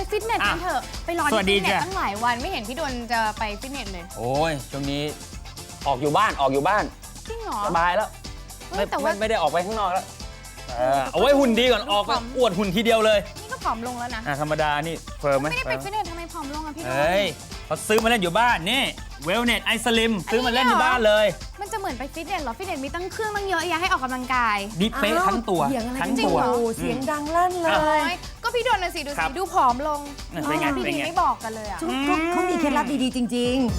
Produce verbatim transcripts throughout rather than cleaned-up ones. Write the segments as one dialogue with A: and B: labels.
A: ฟิตเนสกันเถอะไปรอที่ฟิตเนสตั้งหลายวันไม่เห็นพี่ดนจะไปฟิตเนสเลย
B: โอ้ยช่วงนี้ออกอยู่บ้านออกอยู่บ้าน
A: จริงเหรอ
B: สบายแล้วไม่ไม่ได้ออกไปข้างนอกแล้วเอาไว้หุ่นดีก่อนออกไปอวดหุ่นทีเดียวเลย
A: นี่ก็ผอมลงแล้วนะ
B: ธรรมดานี่เฟิร์มไหม
A: ไม่ได้ไปฟิตเนสทำไมผอมลงอ่ะพี่ดน
B: เฮ้ยเขาซื้อมาเล่นอยู่บ้านนี่เวลเนสไอสลิมซื้อมาเล่นในบ้านเลย
A: มันจะเหมือนไปฟิตเนสเหรอฟิตเนสมีตั้งเครื่องตั้งเยอะแยะให้ออกกำลังกาย
B: นี่เป๊ะทั้งตัวทั้งตัว
C: เสียงดังลั่นเลย
A: ก็พี่ดนน่ะสิดูสิดูผอมลงพี่ดีไม่บอกกันเลยอ่ะ
C: เขามีเคล็ดลับดีๆจริงๆ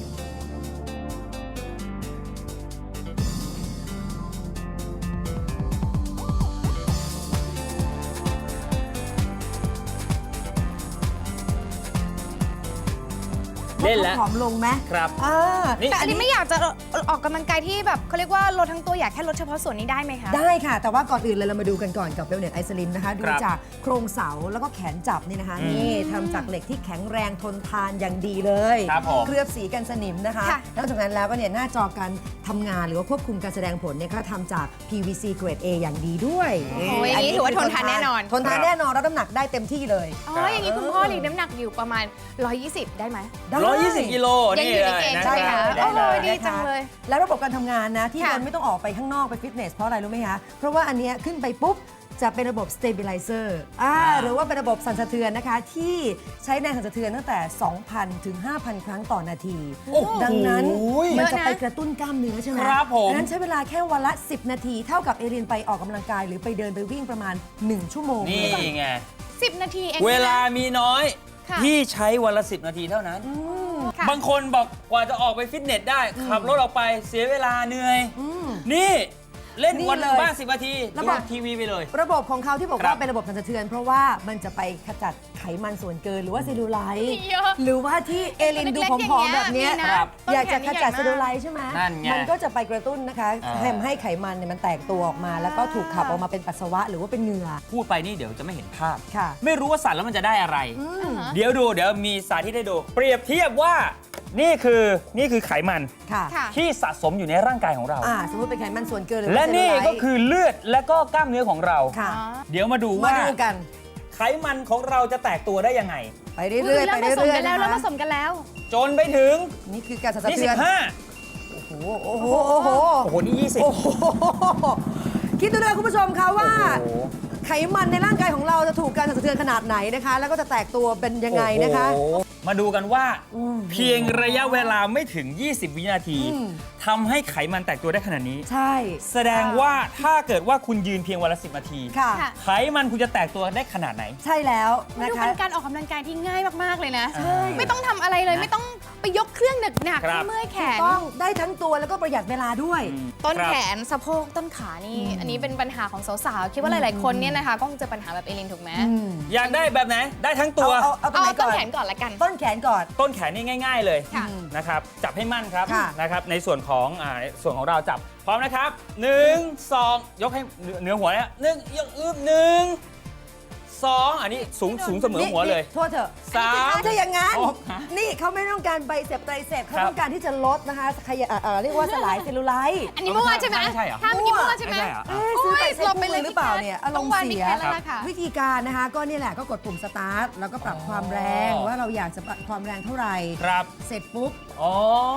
B: เล่นแล้ว
C: ผอมลงไหม
B: ครับ
A: แต่อันนี้ไม่อยากจะออกกำลังกายที่แบบเขาเรียกว่าลดทั้งตัวอยากแค่ลดเฉพาะส่วนนี้ได้ไหมคะ
C: ได้ค่ะแต่ว่าก่อนอื่นเลยเรามาดูกันก่อนกับเวลเนสไอสลิมนะคะดูจากโครงเสาแล้วก็แขนจับนี่นะคะนี่ทำจากเหล็กที่แข็งแรงทนทานอย่างดีเลยเคลือบสีกันสนิมนะคะนอกจากนั้นแล้วก็เนี่ยหน้าจอการทำงานหรือว่าควบคุมการแสดงผลเนี่ยก็ทำจาก พี วี ซี เกรด A อย่างดีด้วย
A: โอ้ยอันนี้ถือว่าทนทานแน่นอน
C: ทนทานแน่นอนรับน้ำหนักได้เต็มที่เลย
A: อ๋ออย่างนี้คุณพ่อหลีกน้ำหนักอยู่ประมาณหนึ่งร้อยยี่สิบได้ไหม
B: หนึ่งร้อยยี่สิบกิโล
A: ยังอยู่ในเกณฑ์ใช่ไหมคะโอ้ยดีจังเลย
C: แล้วระบบการทำงานนะที่มันไม่ต้องออกไปข้างนอกไปฟิตเนสเพราะอะไรรู้ไหมคะเพราะว่าอันนี้ขึ้นไปปุ๊บจะเป็นระบบ stabilizer อ่าหรือว่าเป็นระบบสั่นสะเทือนนะคะที่ใช้แรงสั่นสะเทือนตั้งแต่ สองพัน ถึง ห้าพัน ครั้งต่อนาทีดังนั้นมันจะไปกระตุ้นกล้ามเนื้อใช่ไหม
B: ครับผม
C: ดังนั้นใช้เวลาแค่วันละสิบนาทีเท่ากับเอรินไปออกกำลังกายหรือไปเดินไปวิ่งประมาณหนึ่งชั่วโมง
B: นี่ไง
A: สิบนาทีเอง
B: เวลามีน้อยพี่ใช้วันละสิบนาทีเท่านั้นบางคนบอกกว่าจะออกไปฟิตเนสได้ขับรถออกไปเสียเวลาเหนื่อยนี่เล่นวันละบ้างสิบนาทีระบบทีวีไปเลย
C: ระบบของเขาที่บอกว่าเป็นระบบสั่นสะเทือนเพราะว่ามันจะไปขจัดไขมันส่วนเกินหรือว่าเซลลูไลท์หรือว่าที่เอลินดูผอมๆแบบนี้อยากจะขจัดเซลลูไลท์ใช่ไหมมันก็จะไปกระตุ้นนะคะทำให้ไขมันเนี่ยมันแตกตัวออกมาแล้วก็ถูกขับออกมาเป็นปัสสาวะหรือว่าเป็นเหงื่อ
B: พูดไปนี่เดี๋ยวจะไม่เห็นภาพไม่รู้ว่าสั่นแล้วมันจะได้อะไรเดี๋ยวดูเดี๋ยวมีสาธิตให้ดูเปรียบเทียบว่านี่คือนี่คือไขมันที่สะสมอยู่ในร่างกายของเรา
C: สมมติเป็นไขมันส่วนเกิน
B: และนี่ก็คือเลือดและก็กล้ามเนื้อของเราเดี๋ยวมาดูว่าไขมันของเราจะแตกตัวได้ยังไง
C: ไปเรื่อยๆไปเรื่อยๆ
A: แล้วเราผสมกันแล้ว
B: จนไปถึง
C: นี่คือการสั่นสะเทือน
B: ยี่สิบห้า
C: โอ้โหโอ้โหโอ้โห
B: โอ้โหนี่ยี่สิบ
C: คิดดูเลยคุณผู้ชมคะว่าไขมันในร่างกายของเราจะถูกการสั่นสะเทือนขนาดไหนนะคะแล้วก็จะแตกตัวเป็นยังไงนะคะ
B: มาดูกันว่าเพียงระยะเวลาไม่ถึงยี่สิบวินาทีทำให้ไขมันแตกตัวได้ขนาดนี้
C: ใช่
B: แสดงว่าถ้าเกิดว่าคุณยืนเพียงวันละสิบนาทีไขมันคุณจะแตกตัวได้ขนาดไหน
C: ใช่แล้วนะคะ
A: เป็นการออกกำลังกายที่ง่ายมากๆเลยนะไม่ต้องทำอะไรเลยไม่ต้องไปยกเครื่องหนักๆเมื่อยแขน
C: ต้องได้ทั้งตัวแล้วก็ประหยัดเวลาด้วย
A: ต้นแขนสะโพกต้นขานี่อันนี้เป็นปัญหาของสาวๆคิดว่าหลายๆคนเนี่ยนะคะก็คงเจอปัญหาแบบเอลินถูกไหม
B: อยากได้แบบไหนได้ทั้งตัว
A: เอาต้นแขนก่อนละกัน
C: ต้นแขนก่อน
B: ต้นแขนนี่ง่ายๆเลยนะครับจับให้มั่นครับนะครับในส่วนของอ่าส่วนของเราจับพร้อมนะครับหนึ่งสองยกให้เหนือหัวเนี่ยหนึ่งยกอึบหนึ่งสองอันนี้สูงสูงเสมอหัวเลย
C: โทษเถอะ
B: สาม
C: ถ้าอย่างงั้นนี่เขาไม่ต้องการไบเซปไตรเซปเขาต้องการที่จะลดนะคะขยะเรียกว่าสลายเซลลูไลท์
A: อันนี้มั่วใช่ไหม
B: ใช่เหรอ
A: ถ้าเมื่อกี้มั่วใช่ไหม
C: ซื้อไปเซ็ตคู่มือหรือเปล่าเนี่ยอารมณ์เสียวิธีการนะคะก็นี่แหละก็กดปุ่มสตาร์ทแล้วก็ปรับความแรงว่าเราอยากจะปรับความแรงเท่าไหร่เสร็จปุ๊บ
B: อ๋อ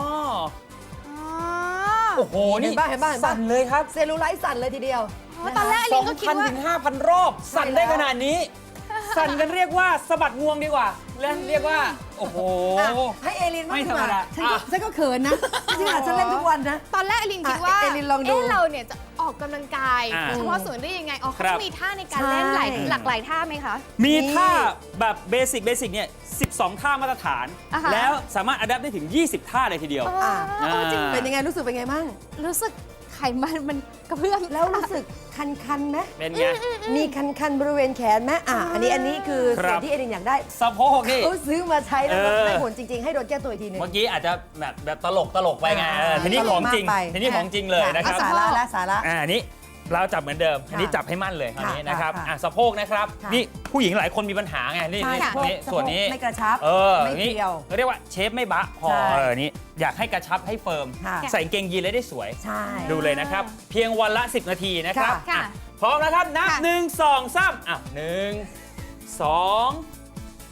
B: โอ้โหนี่
C: บ้าเห็นบ้าเห็นบ้า
B: สั่นเลยครับ
C: เซลลูไลท์สั่นเลยทีเดียว
A: ตอนแรกลิงก็คิดว่า
B: สองพัน ถึง ห้าพัน รอบสั่นได้ขนาดนี้สั่นกันเรียกว่าสะบัดงวงดีกว่าและเรียกว่าโอ้โห
C: ให้เอลินไม่ธรรมดาฉันก็เขินนะจริงๆฉันเล่นทุกวันนะ
A: ตอนแรกเอลินคิดว่าเอลินลองดูเราเนี่ยจะออกกำลังกายเฉพาะส่วนได้ยังไงอ๋อเขามีท่าในการเล่นหลายหลากหลายท่าไหมคะ
B: มีท่าแบบเบสิกเบสิกเนี่ยสิบสองท่ามาตรฐานแล้วสามารถอัดแอปได้ถึงยี่สิบท่าเลยทีเดียว
C: เป็นยังไงรู้สึกเป็นไงบ้าง
A: รู้สึกไขมันมันกระเพื่อม
C: แล้วรู้สึกคันๆไหม
B: เป็นไง
C: มีคันๆบริเวณแขนไหมอ่ะอันนี้อันนี้คือส่วนที่เอรินอยากได้
B: สะโพกนี่
C: เขาซื้อมาใช้แล้วได้ผลจริงๆให้โดนแก้ตัวอีกทีนึง
B: เมื่อกี้อาจจะแบบแบบตลกตลกไปไงทีนี้ของจริงทีนี้ของจริงเลยนะครับ
C: สาระและสาระ
B: อ่านี้เราจับเหมือนเดิมอันนี้จับให้มั่นเลยอันนี้นะครับอ่ะสะโพกนะครับนี่ผู้หญิงหลายคนมีปัญหาไงนี่นี่ส่วนนี้
C: ไม่กระชับ
B: เออนี่เรียกว่าเชฟไม่บะพอเออนี่อยากให้กระชับให้เฟิร์มใส่เกงยีนเลยได้สวยดูเลยนะครับเพียงวันละสิบนาทีนะครับพร้อมนะครับนับหนึ่งสองสามอ่ะหนึ่งสอง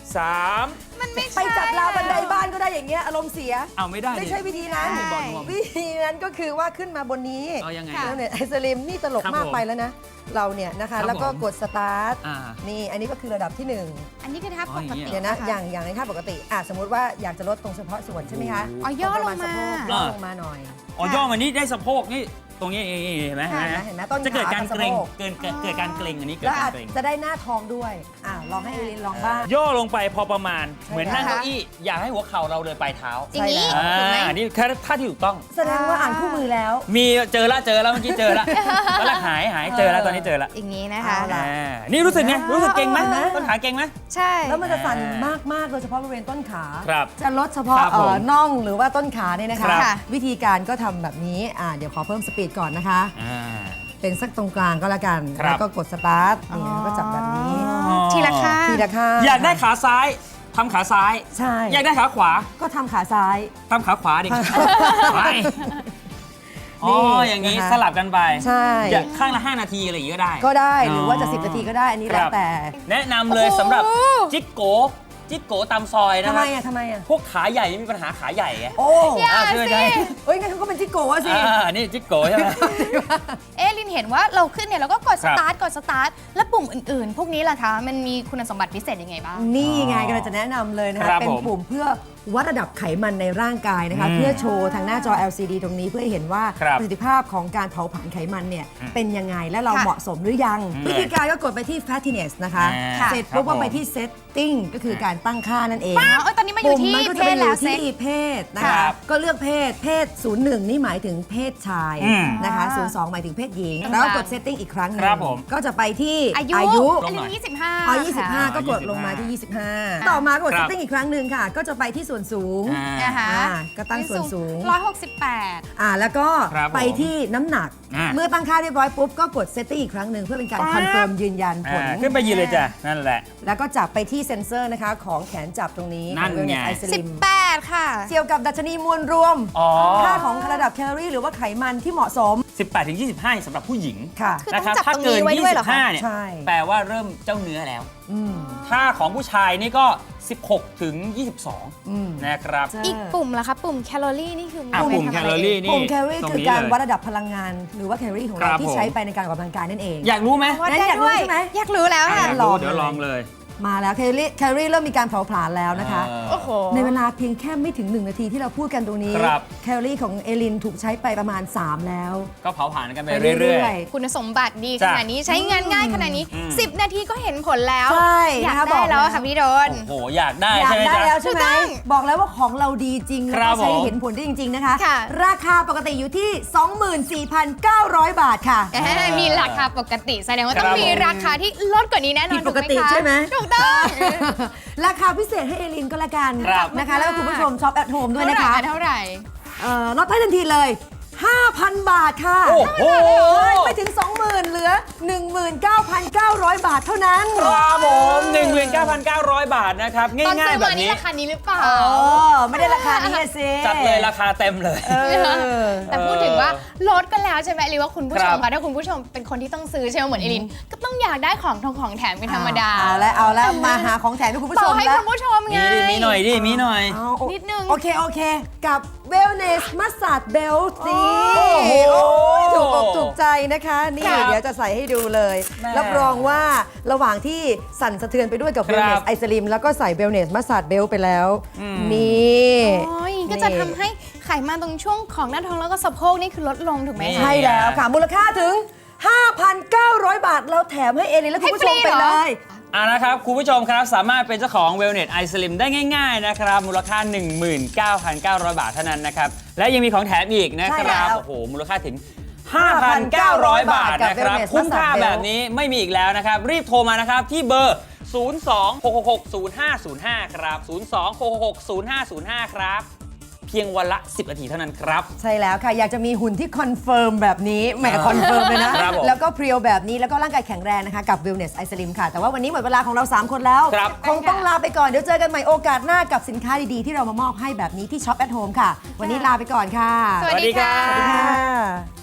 B: สาม
A: มันไม่ใช่
C: ไปจับราวบันไดบ้านก็ได้อย่างเงี้ยอารมณ์เสีย
B: เอาไม่ได้
C: ไม่ใช่วิธีนั้น
B: ไม่บอกหนู
C: วิธีนั้นก็คือว่าขึ้นมาบนนี้
B: เอายังไง
C: แล้วเนี่ยไอสลิมนี่ตลก
B: ครับ
C: มาก
B: ผม
C: ไปแล้วนะ เราเนี่ยนะ
B: ครั
C: คะ
B: บ
C: แล้วก็
B: ผม
C: กดสตาร์ท
B: อ่า
C: นี่อันนี้ก็คือระดับที่หนึ่ง
A: อันนี้คือท่าปกติ
C: เดี๋ยวนะ
A: ค
C: อย่างอย่างในท่าปกติอ่ะสมมุติว่าอยากจะลดตรงเฉพาะส่วนใช่ไหมคะ
A: อ๋อย่อลงมา
C: ประณสะโพกย่อลงมาหน่อย
B: อ๋อย่อมานี่ได้สะโพกนี่ตรงนี้เห็นไหม
C: เห็นไหมเห็นไหมต้นขา
B: จะเกิดการเกร็ง
C: กับสะโพก
B: เกิดเกิดเกิดการเกร็งอันนี้เกิด
C: แล้ว
B: กา
C: อาจ
B: รเกร็ง
C: จะได้หน้าท้องด้วยอ่ะลองให้เอลินลองบ้าง
B: ย่อลงไปพอประมาณ
C: ใช่
B: เหมือนนั่งเก้าอี้อยากให้หัวเข่าเราเลยปลายเท้า
A: อย่างนี้
C: ใช่แล้ว
A: ถูกไหม
B: อ่านี่แค่ท่าที่ถูกต้อง
C: แสดงว่าอ่านคู่มือแล้ว
B: มีเจอละเจอแล้วเมื่อกี้เจอละตอนแรกหายหายเจอแล้วตอนนี้เจอละ
A: อย่างนี้นะคะ
C: เอาล่ะ
B: อ่านี่รู้สึกไงรู้สึกเก่งไหม
C: เห็นไหม
B: ต้นขาเก่งไหม
A: ใช่
C: แล้วมันจะสั่นมากๆโดยเฉพาะบริเวณต้นขา
B: ครับ
C: จะลดเฉพาะ
B: ครับ
C: เอ่
B: ผ
C: อ
B: ม
C: น่องหรือว่าต้นขาเนี่ยนะคะ
B: ครับ
C: วิธีการก็ทำแบบนี้อ่าเดี๋ยวขอเพิ่มสปีดก่อนนะคะ
B: อ่า
C: เป็นสักตรงกลางก็แล้วกัน
B: ครับ
C: แล้วก็กดสตาร์ทนี่แล้วก็จับแบบนี้
B: อ๋อ
A: ทีละข้าง
C: ทีละข้าง
B: อยากได้ขาซ้ายทำขาซ้าย
C: ใช่
B: อยากได้ขาขวา
C: ก็ทำขาซ้าย
B: ทำขาขวาดิไปอ๋ออย่างนี้
C: นะคะ
B: สลับกันไป
C: ใช่
B: อยากข้างละห้านาทีอะไรอย่างนี้ก็ได้
C: ก็ได้หรือว่าจะ
B: อ๋อ
C: สิบนาทีก็ได้อันนี้แล้ว
B: ครับ
C: แต่
B: แนะนำเลย
A: โอ้โห
B: สำหรับจิ๊กโกจิ๊กโกตามซอยนะ
C: ทำ
B: ค
C: ไม
B: รับ
C: อ่ะทำไมอ่ะ
B: พวกขาใหญ่มีปัญหาขาใหญ่ไง
C: โอ้
A: อย่า
B: อ่าช่วย
A: สิ
B: ได้
C: เอ้ยงั้นเขาก็เป็นจิโกะสิ
B: อ่านี่จิ๊กโกใช่ไหม
A: เอะลินเห็นว่าเราขึ้นเนี่ยเราก็กด
B: ค
A: ส
B: รับ
A: ตาร์ทกดสตาร์ทแล้วปุ่มอื่นๆ พวกนี้ล่ะคะ มันมีคุณสมบัติพิเศษยังไงบ้าง
C: นี่ไงก็เลยจะแนะนำเลยนะ
B: ครั
C: คะ
B: บ
C: เป็น
B: ผม
C: ปุ่มเพื่อวัดระดับไขมันในร่างกายนะคะ
B: อืม
C: เพื่อโชว์ทางหน้าจอ แอล ซี ดี ตรงนี้เพื่อให้เห็นว่า
B: ครับ
C: ประสิทธิภาพของการเผาผลาญไขมันเนี่ย
B: อืม
C: เป็นยังไงและเรา
A: ค่ะ
C: เหมาะสมหรือยัง
B: อืม
C: วิธีการก็กดไปที่ fattiness นะคะ
B: อ่า
C: เสร็จปุ๊บ
B: ครับ
C: ก็ไป
B: ผม
C: ที่ setting ก็คือการตั้งค่านั่นเอง
A: อ้าวเอ้ยตอนนี้มาอยู่ที่
C: ปุ่มมันก็
A: เพ
C: จะไป
A: ศ
C: อ
A: แล้ว
C: ยู่
A: เซ็
C: ที่
A: ต
C: เพศนะ
B: ครั
C: คะ
B: บ
C: ก็เลือกเพศเพศ ศูนย์หนึ่ง นี่หมายถึงเพศชาย
B: อืม
C: นะคะ
A: อ่า
C: ศูนย์สอง หมายถึงเพศหญิง
A: กลางๆ
C: แล้วก็กด setting อีกครั้งหนึง
B: ครับผม
C: ก็จะไปที่
A: อายุ
C: อายุ
B: ลงหน่อย
A: ยี่สิบห้า
C: อ๋อยี่สิบห้า
A: ค่ะ
C: ก็กดลงมาที่ ยี่สิบห้า ต่อมากด
B: ครับ
C: setting อีกครั้งหนึ่งค่ะ ก็จะไปที่ส่วนสูง
B: อ่า
A: นะคะ
C: อ่าก็ตั้งส่วนสูง
A: ร้อยหกสิบแปด
C: อ่าแล้วก็
B: ครับผม
C: ไปที่น้ำหนัก
B: อ่า
C: เมื่อตั้งค่าเรียบร้อยปุ๊บ ก็กด setting อีกครั้งหนึ่งเพื่อเป็นการคอนเฟิร์มยืนยันผล
B: อ่าขึ้นไปยืนเลยจ้ะนั่นแหละ
C: แล้วก็จับไปที่เซ็นเซอร์นะคะของแขนจับตรงนี้
B: นั่นไง
C: ไอ
A: สิ
C: ซิ
A: บ
C: ม
A: แปดค่ะ
C: เกี่ยวกับดัชนีมวลรวม
B: อ๋อ
C: ค่าของระดับแคลอรี่หรือว่าไขมันที่เหมาะสม
B: สิบแปดถึงยี่สิบห้าสำหรับผู้หญิง
C: ค่ะ
A: คือ
B: นะครับ
A: ต้องจับ
B: ถ้าเกิน
A: ตรงนี้ไว้ด้วยเหรอคะ
B: ยี่สิบห้าเนี่ย
C: ใช่
B: แปลว่าเริ่มเจ้าเนื้อแล้ว
C: อืม
B: ถ้าของผู้ชายนี่ก็ สิบหกถึงยี่สิบสอง
C: อืม
B: นะครับ
A: อีกปุ่มล่ะคะ ปุ่มแคลอรี่นี่คือ
B: อ่ะ
A: ไว้
B: ปุ่ม
A: ทำ
B: แค
A: อะ
B: ล
A: ไร
B: อรี่นี่
C: ปุ่มแคลอรี่
B: ตง
C: คือ
B: นี้
C: การ
B: เลย
C: วัดระดับพลังงาน หรือว่าแคลอรี่ของ
B: ครั
C: เรา
B: บ
C: ที่
B: ผม
C: ใช้ไปในการออกกำลังกายนั่นเอง
B: อยากรู้ไหม
A: วัด
C: งั้น
A: ได้
C: อยากรู้
A: ด้วย
C: ใช่ไหม
A: อยากรู้แล้ว
B: อ่ะ
A: ค่ะ
B: อยาก
C: ล
B: รู้
C: อง
B: เดี๋ยวลองเลย
C: มาแล้วแคลอรี่แคลอรี่เริ่มมีการเผาผลาญแล้วนะคะ
B: เออ
A: โอ้โห
C: ในเวลาเพียงแค่ไม่ถึง หนึ่ง นาทีที่เราพูดกันตรงนี้
B: ครับ
C: แคลอรี่ของเอลินถูกใช้ไปประมาณ สาม แล้ว
B: ก็เผาผ่านกันไป
C: ไป
B: เรื่
C: เรื่
B: อ
C: อย ย
A: คุณสมบัติดีข
B: จ้ะ
A: นาดนี้ใช้งานง่ายขนาดนี้
B: อืม
A: สิบ นาทีก็เห็นผลแล้ว
C: ใช่
A: อยาก
C: นะคะ
A: ได้
C: บอก
A: แล้ว
C: แล้ว
A: ค่ะพี่โดน
B: ๆ โอ้โห อยากได้
C: อยา
B: ใช่
C: ก
B: ไหม
C: ได้
B: จ๊ะ
C: แล้วใช่ไหม
A: ถูกต้อง
C: บอกแล้วว่าของเราดีจริง
B: ค
C: แล้ว
B: รั
C: ก็
B: บ
C: ใช้
B: ผม
C: เห็นผลได้จริง ๆ นะคะ
A: ค่ะ
C: ราคาปกติอยู่ที่ สองหมื่นสี่พันเก้าร้อย บาทค่ะ
A: แหมมีราคาปกติแสดงว่า
B: ครับ
A: ต้องมี
B: ผม
A: ราคาที่ลดกว่านี้แน่นอน
C: ผิดปกติ
A: ถูคะ
C: ใช่ไหม
A: ถูกต้อง
C: ราคาพิเศษให้เอลินก็แล้วกัน
B: ครับ
C: นะคะ แล้วก็คุณผู้ชมช็อปแอทโฮมด้วย
A: เท่า
C: นะ
A: ไหร่
C: คะ
A: เท่าไหร่
C: เอ่อลดให้ทันทีเลย ห้าพัน บาทค่ะ
B: โอ้โห
C: ไม่ถึง สองหมื่น เหลือ หนึ่งหมื่นเก้าพันเก้าร้อย บาทเท่านั้น
B: ครับผม หนึ่งหมื่นเก้าพันเก้าร้อย บาทนะครับ
A: ตอน
B: ง่าย
A: ซื้อ
B: ๆ แบ
A: มา
B: บ
A: นี่
B: นี้
A: ราคานี้หรือเปล่า
C: เออ ไม่ได้ราคานี้อะสิ
B: จัดเลยราคาเต็มเลย
C: เออ
A: แต่พูดถึงว่าลดกันแล้วใช่ไหมหรือว่าคุณผู้ชม
B: ครั
A: คะ
B: บ
A: ถ้าคุณผู้ชมเป็นคนที่ต้องซื้อใช่ไหมเหมือนเอลิน ก็ต้องอยากได้ของทองของแถมเป็นธรรมดา
C: เอาแล้วเอาแล้วมาหาของแถมให้คุณผู้
A: ต่
C: ช
A: อ
C: ม
A: ให้
C: แล้ว
A: คุณผู้ชมไง
B: มีดิมีหน่อยดิ มีหน่อย
C: เอาโอ
A: นิดนึง
C: โอเค โอเค กับ Wellness Massage Belt สิ
B: โอ้โห
C: โอ้ยถูกอกถูกใจนะคะ นี่
B: ครับ
C: เดี๋ยวจะใส่ให้ดูเลย
B: แม่
C: รับรองว่าระหว่างที่สั่นสะเทือนไปด้วยกับ
B: ครับ
C: Wellness i Slim แล้วก็ใส่ Wellness Massage Belt ไปแล้ว
B: อืม
C: นี่
A: โอ้ยก็จะทำให้ไขมันตรงช่วงของหน้าท้องแล้วก็สะโพกนี่คือลดลงถูกไหม
B: นี่
A: คะ
C: ใช่แล้วค่ะ มูลค่าถึง ห้าพันเก้าร้อย บาท เราแถมให้เอลินและคุณผู้ชม
A: ให้ฟรี
C: ไป
A: เหร
C: เล
A: อ
C: ย
B: อ่านะครับ คุณผู้ชมครับสามารถเป็นเจ้าของ Wellness i Slim ได้ง่ายๆนะครับ มูลค่า หนึ่งหมื่นเก้าพันเก้าร้อย บาทเท่านั้นนะครับ และยังมีของแถมอีกนะค
C: ใช่แล้
B: รับ
C: ว
B: โอ้โห มูลค่าถึง ห้าพันเก้าร้อย บาทนะครับ
C: กับ Wellness
B: คุ้มค่า
C: Massage
B: แบบนี้ไม่มีอีกแล้วนะครับ รีบโทรมานะครับ ที่เบอร์ ศูนย์ สอง หก หก หก ศูนย์ ห้า ศูนย์ ห้า ครับ ศูนย์ สอง หก หก ศูนย์ ห้า ศูนย์ ห้า ครับ เพียงวันละ สิบ นาทีเท่านั้นครับ
C: ใช่แล้วค่ะ อยากจะมีหุ่นที่คอนเฟิร์มแบบนี้แหมคอนเฟิร์มเลยนะ
B: ครับผม
C: แล้วก็เพรียวแบบนี้แล้วก็ร่างกายแข็งแรงนะคะ กับ Wellness i Slim ค่ะ แต่ว่าวันนี้หมดเวลาของเรา สาม คนแล้ว
B: ครับ
C: คงต้องลาไปก่อน เดี๋ยวเจอกันใหม่โอกาสหน้ากับสินค้าดีๆ ที่เรามามอบให้แบบนี้ที่ Shop at Home ค่ะ วันนี้ลาไปก่อนค่ะ
A: สวัสดีค่ะ
B: สวัสดีครับ
C: สวัสดีค่ะ